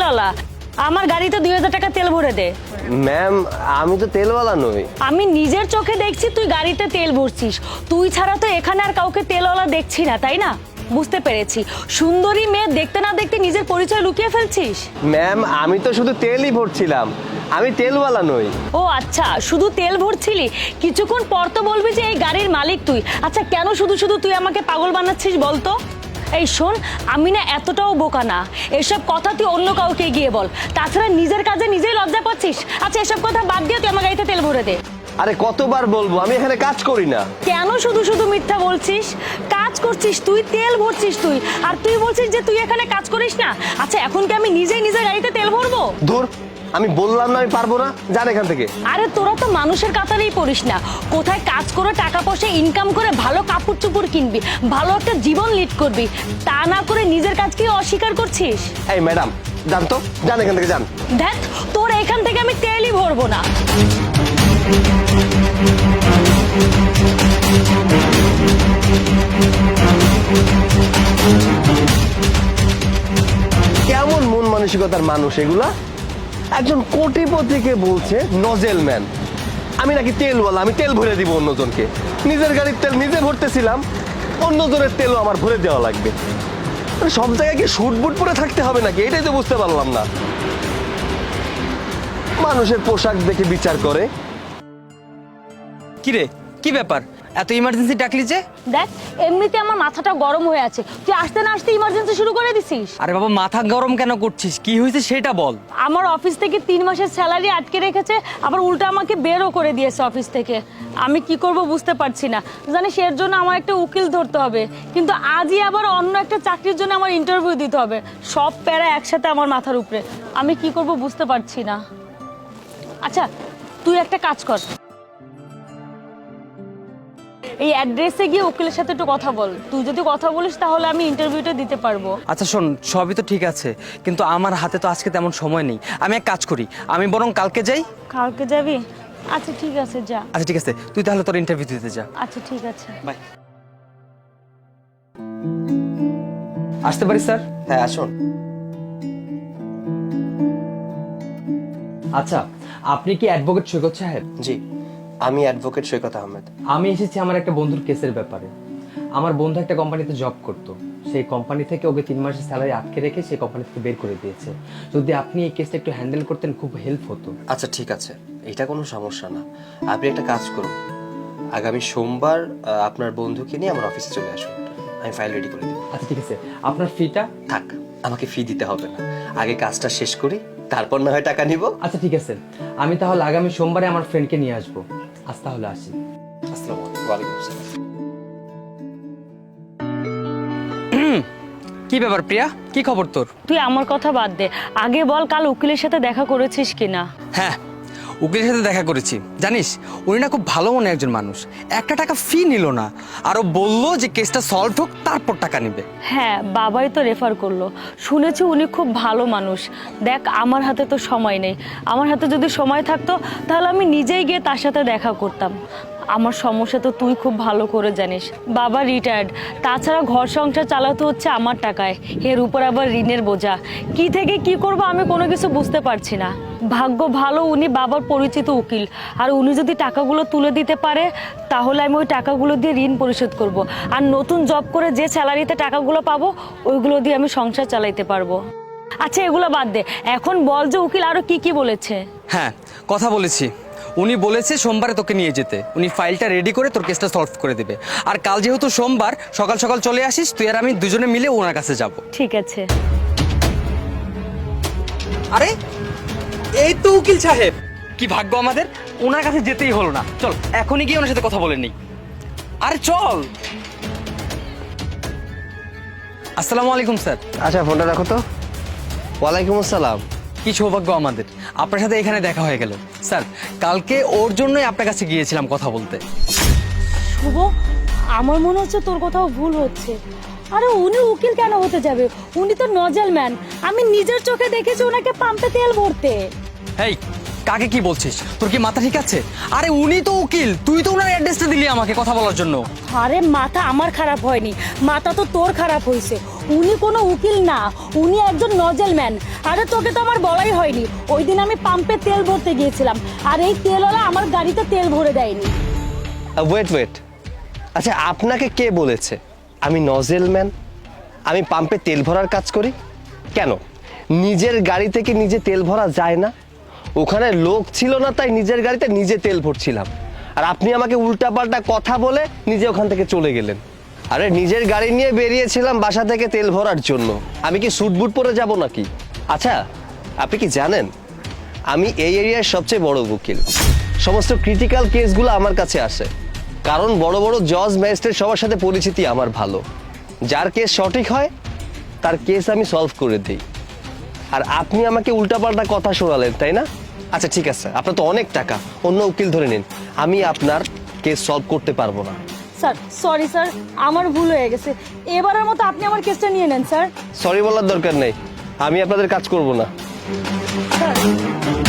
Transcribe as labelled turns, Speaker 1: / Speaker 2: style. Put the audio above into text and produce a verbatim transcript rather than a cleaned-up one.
Speaker 1: তেলওয়ালা, আমার গাড়িতে দুই হাজার টাকা তেল ভরে দে।
Speaker 2: ম্যাম আমি তো তেলওয়ালা নই।
Speaker 1: আমি নিজের চোখে দেখছি তুই গাড়িতে তেল ভরছিস। তুই ছাড়া তো এখানে আর কাউকে তেলওয়ালা দেখছি না, তাই না? বুঝতে পেরেছি, সুন্দরী মেয়ে দেখতে না দেখতে নিজের পরিচয় লুকিয়ে ফেলছিস।
Speaker 2: ম্যাম আমি তো শুধু তেলই ভরছিলাম, আমি তেলওয়ালা নই।
Speaker 1: ও আচ্ছা, শুধু তেল ভরছিলি, কিছুক্ষণ পর তো বলবি যে এই গাড়ির মালিক তুই। আচ্ছা কেন শুধু শুধু তুই আমাকে পাগল বানাচ্ছিস বলতো? এই শোন, আমি না এতটাও বোকা না, এসব কথা তুই অন্য কাউকে গিয়ে বল। তাছাড়া নিজের কাজে নিজেই লজ্জা পাচ্ছিস। আচ্ছা এসব কথা বাদ দিয়ে তুই আমার গাড়িতে তেল ভরে দে।
Speaker 2: আরে কতবার বলবো, আমি এখানে কাজ করি না।
Speaker 1: কেন শুধু শুধু মিথ্যা বলছিস? কাজ করছিস তুই, তেল ভরছিস তুই, আর তুই বলছিস যে তুই এখানে কাজ করিস না। আচ্ছা এখন কি আমি নিজেই নিজের গাড়িতে তেল ভরবো?
Speaker 2: ধুর, আমি বললাম না আমি পারবো না, যান এখান থেকে।
Speaker 1: আরে তোরা তো মানুষের কাতারেই পড়িস না। কোথায় কাজ করে টাকা পয়সা ইনকাম করে ভালো কাপড় চোপড় কিনবি, ভালো একটা জীবন লিড করবি, তা না করে নিজের কাজকে অস্বীকার করছিস।
Speaker 2: এই ম্যাডাম যান তো, যান এখান থেকে যান।
Speaker 1: দেখ তোর এখান থেকে আমি তেলই ভরবো না।
Speaker 2: কেমন মন মানসিকতার মানুষ এগুলা? একজন কোটিপতিকে বলছে নজেল ম্যান, আমি নাকি তেলওয়ালা, আমি তেল ভরে দিব অন্যজনকে। নিজের গাড়ির তেল নিজে ভরতেছিলাম, অন্যজনের তেলও আমার ভরে দেওয়া লাগবে। মানে সব জায়গায় কি শুট বুট পরে থাকতে হবে নাকি, এটাই তো বুঝতে পারলাম না। মানুষের পোশাক দেখে বিচার করে।
Speaker 3: কি রে, কি ব্যাপার, এত ইমার্জেন্সি ডাকলি যে?
Speaker 1: দেখ এমনিতে আমার মাথাটা গরম হয়ে আছে, তুই আসতে না আসতে ইমার্জেন্সি শুরু করে দিছিস।
Speaker 3: আরে বাবা মাথা গরম কেন করছিস, কি হয়েছে সেটা বল।
Speaker 1: আমার অফিস থেকে তিন মাসের স্যালারি আটকে রেখেছে, আবার উল্টা আমাকে বেরও করে দিয়েছে অফিস থেকে। আমি কি করব বুঝতে পারছি না। জানিস এর জন্য আমার একটা উকিল ধরতে হবে, কিন্তু আজই আবার অন্য একটা চাকরির জন্য আমার ইন্টারভিউ দিতে হবে। সব প্যারা একসাথে আমার মাথার উপরে, আমি কি করব বুঝতে পারছি না। আচ্ছা তুই একটা কাজ কর, এই অ্যাড্রেসে গিয়ে উকিলের সাথে একটু কথা বল। তুই যদি কথা বলিস তাহলে আমি ইন্টারভিউটা দিতে পারবো।
Speaker 3: আচ্ছা শোন, সবই তো ঠিক আছে, কিন্তু আমার হাতে তো আজকে তেমন সময় নেই। আমি এক কাজ করি, আমি বরং কালকে যাই।
Speaker 1: কালকে যাবি? আচ্ছা ঠিক আছে যা।
Speaker 3: আচ্ছা ঠিক আছে, তুই তাহলে তোর ইন্টারভিউ দিতে যা।
Speaker 1: আচ্ছা ঠিক আছে,
Speaker 3: বাই। আসতে পারি স্যার?
Speaker 2: হ্যাঁ আসুন।
Speaker 3: আচ্ছা, আপনি কি অ্যাডভোকেট সৈকত সাহেব?
Speaker 2: জি, আমি অ্যাডভোকেট সৈকত আহমেদ।
Speaker 3: আমি এসেছি আমার একটা বন্ধুর কেসের ব্যাপারে। আমার বন্ধু একটা কোম্পানিতে জব করতো, সেই কোম্পানি থেকে ওকে তিন মাসের স্যালারি আটকে রেখে সেই কোম্পানি থেকে বের করে দিয়েছে। যদি আপনি এই কেসটা একটু হ্যান্ডেল করতেন খুব হেল্প হতো।
Speaker 2: আচ্ছা ঠিক আছে, এটা কোনো সমস্যা না। আপনি একটা কাজ করুন, আগামী সোমবার আহ, আপনার বন্ধুকে নিয়ে আমার অফিসে চলে আসুন, আমি ফাইল রেডি করে দেব।
Speaker 3: আচ্ছা ঠিক আছে, আপনার ফিটা?
Speaker 2: থাক, আমাকে ফি দিতে হবে না, আগে কাজটা শেষ করি, তারপর না হয় টাকা নিব।
Speaker 3: আচ্ছা ঠিক আছে, আমি তাহলে আগামী সোমবারে আমার ফ্রেন্ডকে নিয়ে আসবো। আজ তাহলে আসি।
Speaker 2: আসসালামু আলাইকুম। ওয়ালাইকুম আসসালাম।
Speaker 3: কি ব্যাপার প্রিয়া, কি খবর তোর?
Speaker 1: তুই আমার কথা বাদ দে, আগে বল কাল উকিলের সাথে দেখা করেছিস কিনা?
Speaker 3: হ্যাঁ, উকিলের সাথে দেখা করেছি। জানিস উনি না খুব ভালো মনে একজন মানুষ, একটা টাকা ফি নিল না, আরো বললো যে কেসটা সলভ হোক তারপর টাকা নিবে।
Speaker 1: হ্যাঁ বাবাই তো রেফার করলো, শুনেছি উনি খুব ভালো মানুষ। দেখ আমার হাতে তো সময় নেই, আমার হাতে যদি সময় থাকতো তাহলে আমি নিজেই গিয়ে তার সাথে দেখা করতাম। আমার সমস্যা তো তুই খুব ভালো করে জানিস, বাবা রিটায়ার্ড, তাছাড়া ঘর সংসার চালাতে হচ্ছে আমার টাকায়, এর উপর আবার ঋণের বোঝা। কি থেকে কি করব আমি কোনো কিছু বুঝতে পারছি না। ভাগ্য ভালো উনি বাবার পরিচিত উকিল, আর উনি যদি টাকাগুলো তুলে দিতে পারে তাহলে আমি ওই টাকাগুলো দিয়ে ঋণ পরিশোধ করব, আর নতুন জব করে যে স্যালারিতে টাকাগুলো পাবো ওইগুলো দিয়ে আমি সংসার চালাইতে পারবো। আচ্ছা এগুলো বাদ দে, এখন বল যে উকিল আরো কি কি বলেছে?
Speaker 3: হ্যাঁ কথা বলেছি, উনি বলেছে সোমবারে তোকে নিয়ে যেতে, উনি ফাইলটা রেডি করে তোর কেসটা সলভ করে দেবে। আর কাল যেহেতু সোমবার সকাল সকাল চলে আসিস, তুই আর আমি দুজনে মিলে ওনার কাছে যাব।
Speaker 1: ঠিক আছে।
Speaker 3: আরে এই তো উকিল সাহেব, কি ভাগ্য আমাদের, ওনার কাছে যেতেই হলো না। চল এখনই গিয়ে ওনার সাথে কথা বলে নিই। আরে চল। আসসালামু আলাইকুম স্যার।
Speaker 2: আচ্ছা ফোনটা রাখো তো। ওয়ালাইকুম আসসালাম।
Speaker 3: কি সৌভাগ্য আমাদের, আপনার সাথে এখানে দেখা হয়ে গেল। স্যার কালকে ওর জন্যই আপনার কাছে গিয়েছিলাম কথা বলতে।
Speaker 1: শুভ, আমার মনে হচ্ছে তোর কোথাও ভুল হচ্ছে। আরে উনি উকিল কেন হতে যাবে, উনি তো নজেল ম্যান। আমি নিজের চোখে দেখেছি ওনাকে পাম্পে তেল ভরতে।
Speaker 3: এই কাকে কি বলছিস, তোর কি মাথা ঠিক আছে? আরে উনি তো উকিল, তুই তো ওনার অ্যাড্রেসটা দিলি আমাকে কথা বলার জন্য।
Speaker 1: আরে মাথা আমার খারাপ হয়নি, মাথা তো তোর খারাপ হয়েছে। উনি কোনো উকিল না, উনি একজন নজেল ম্যান। আরে তোকে তো আমার বলাই হয়নি, ওই দিন আমি পাম্পে তেল ভরতে গিয়েছিলাম, আর এই তেলওয়ালা আমার গাড়িতে তেল ভরে দেয়নি।
Speaker 2: ওয়েট ওয়েট আচ্ছা, আপনাকে কে বলেছে আমি নজেল ম্যান? আমি পাম্পে তেল ভরার কাজ করি কেন? নিজের গাড়ি থেকে নিজে তেল ভরা যায় না? ওখানে লোক ছিল না, তাই নিজের গাড়িতে নিজে তেল ভরছিলাম। আর আপনি আমাকে উল্টাপাল্টা কথা বলে নিজে ওখান থেকে চলে গেলেন। আরে নিজের গাড়ি নিয়ে বেরিয়েছিলাম বাসা থেকে তেল ভরার জন্য, আমি কি স্যুট বুট পরে যাব নাকি? আচ্ছা, আপনি কি জানেন আমি এই এরিয়ার সবচেয়ে বড় উকিল। সমস্ত ক্রিটিক্যাল কেসগুলো আমার কাছে আসে, কারণ বড় বড় জজ ম্যাজিস্ট্রেট সবার সাথে পরিচিতি আমার ভালো। যার কেস সঠিক হয় তার কেস আমি সলভ করে দিই। আর আপনি আমাকে উল্টাপাল্টা কথা শোনালেন, তাই না? আচ্ছা ঠিক আছে, আপনার তো অনেক টাকা, অন্য উকিল ধরে নিন, আমি আপনার কেস সলভ করতে পারবো না।
Speaker 1: স্যার সরি স্যার, আমার ভুল হয়ে গেছে, এবারের মতো আপনি আমার কেসটা নিয়ে নেন স্যার।
Speaker 2: সরি বলার দরকার নেই, আমি আপনাদের কাজ করব না।
Speaker 1: স্যার